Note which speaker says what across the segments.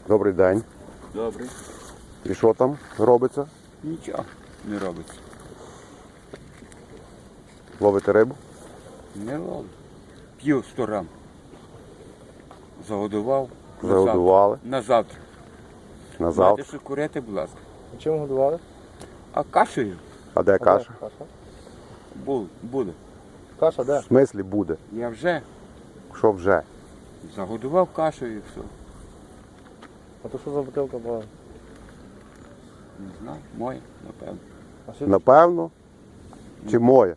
Speaker 1: Добрий день.
Speaker 2: Добре.
Speaker 1: І що там робиться?
Speaker 2: Нічого не робиться.
Speaker 1: Ловите рибу?
Speaker 2: Не ловлю. П'ю 100 грам. Загодував.
Speaker 1: Загодували.
Speaker 2: На завтра.
Speaker 1: На
Speaker 2: Знаєте,
Speaker 1: завтра.
Speaker 2: що курити, будь ласка.
Speaker 3: Чим годували?
Speaker 2: А кашею
Speaker 1: А де каша?
Speaker 3: Каша.
Speaker 2: буде.
Speaker 3: Каша де?
Speaker 1: В смислі буде?
Speaker 2: Я вже
Speaker 1: Що вже?
Speaker 2: загодував кашею і все.
Speaker 3: А то що за бутилка була?
Speaker 2: Не знаю, моє, напевно.
Speaker 3: А що?
Speaker 1: Напевно. Чи моє?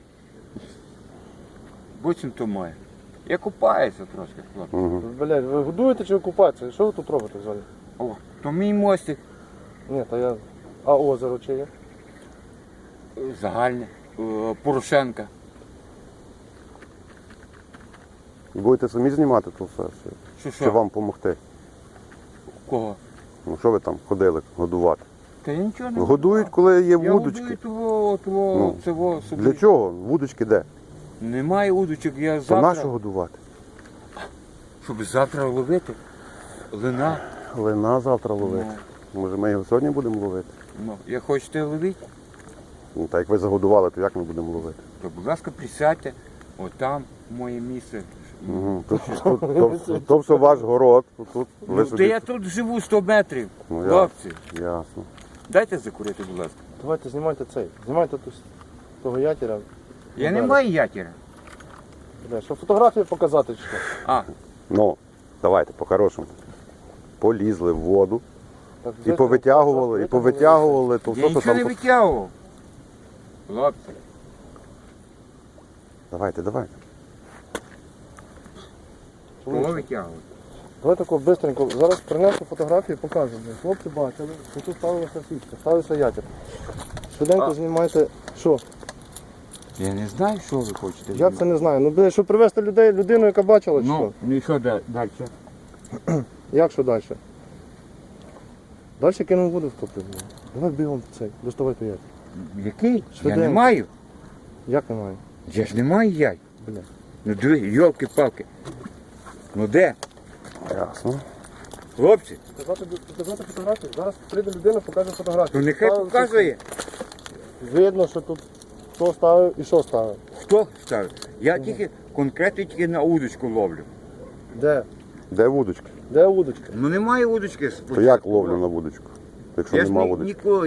Speaker 2: Буцім то моє. Я купаюся трошки, хлопці.
Speaker 1: Угу.
Speaker 3: Блядь, ви годуєте чи ви купаєтеся? Що ви тут робите взагалі?
Speaker 2: О, то мій мостик
Speaker 3: Ні, та я... А озеро чи є?
Speaker 2: загальне. Порошенка.
Speaker 1: Будете самі знімати то все?
Speaker 2: Що?
Speaker 1: Чи вам допомогти?
Speaker 2: Кого?
Speaker 1: Ну що ви там ходили годувати?
Speaker 2: Та я нічого не
Speaker 1: Годують, коли є
Speaker 2: Я
Speaker 1: вудочки.
Speaker 2: годую того,
Speaker 1: Ну,
Speaker 2: цього собі.
Speaker 1: Для чого? Вудочки де?
Speaker 2: Немає удочок, я
Speaker 1: То
Speaker 2: завтра,
Speaker 1: нащо годувати?
Speaker 2: щоб завтра ловити. Лина.
Speaker 1: Лина завтра ловити. Може ми його сьогодні будемо ловити?
Speaker 2: Ну, як хочете ловити,
Speaker 1: Ну, так як ви загодували, то як ми будемо ловити?
Speaker 2: то, будь ласка, присядьте, отам моє місце.
Speaker 1: Угу. То все ваш город. Тут ви
Speaker 2: Ну, та
Speaker 1: собі...
Speaker 2: я тут живу 100 метрів,
Speaker 1: Ну,
Speaker 2: хлопці.
Speaker 1: Ясно.
Speaker 2: Дайте закурити, будь ласка.
Speaker 3: Давайте знімайте цей. Знімайте того ятіра.
Speaker 2: Я не
Speaker 3: Далі.
Speaker 2: маю ятіра.
Speaker 3: Бля, що фотографії показати чи що?
Speaker 2: А,
Speaker 1: Ну, давайте, по-хорошому. Полізли в воду
Speaker 3: Так,
Speaker 1: і повитягували, то
Speaker 2: я
Speaker 1: все, що
Speaker 2: нічого не
Speaker 1: там...
Speaker 2: витягував. Хлопці.
Speaker 1: Давайте.
Speaker 2: Кого витягував?
Speaker 3: Давай тако бистренько. Зараз принесу фотографії, покажу. Хлопці бачили, що тут ставилася сітка, ставився ятір. Швиденько знімайте. Що?
Speaker 2: Я не знаю, що ви хочете.
Speaker 3: Я це не знаю. Ну, блядь, щоб привезти людину, яка бачила, чи
Speaker 2: Ну, і що далі?
Speaker 3: що? Як що далі? Далі кинув воду втопити. Давай бігом цей, доставай той ятір.
Speaker 2: Який? Я
Speaker 3: Швиденько.
Speaker 2: не маю.
Speaker 3: Як немає?
Speaker 2: Я ж не маю яй.
Speaker 3: Бля.
Speaker 2: Ну диви, йолки-палки. Ну де?
Speaker 1: Ясно.
Speaker 2: Хлопці,
Speaker 3: Показати фотографію? Зараз прийде людина, покаже фотографію.
Speaker 2: то нехай
Speaker 3: Ставив
Speaker 2: показує,
Speaker 3: сітку. Видно, що тут хто ставив і що ставив.
Speaker 2: хто ставить. Я конкретно на удочку ловлю.
Speaker 3: Де?
Speaker 1: Де вудочки?
Speaker 3: Де удочка?
Speaker 2: Ну немає удочки.
Speaker 1: То як ловлю на вудочку, якщо
Speaker 2: Я ж
Speaker 1: нема вудочки?
Speaker 2: ніколи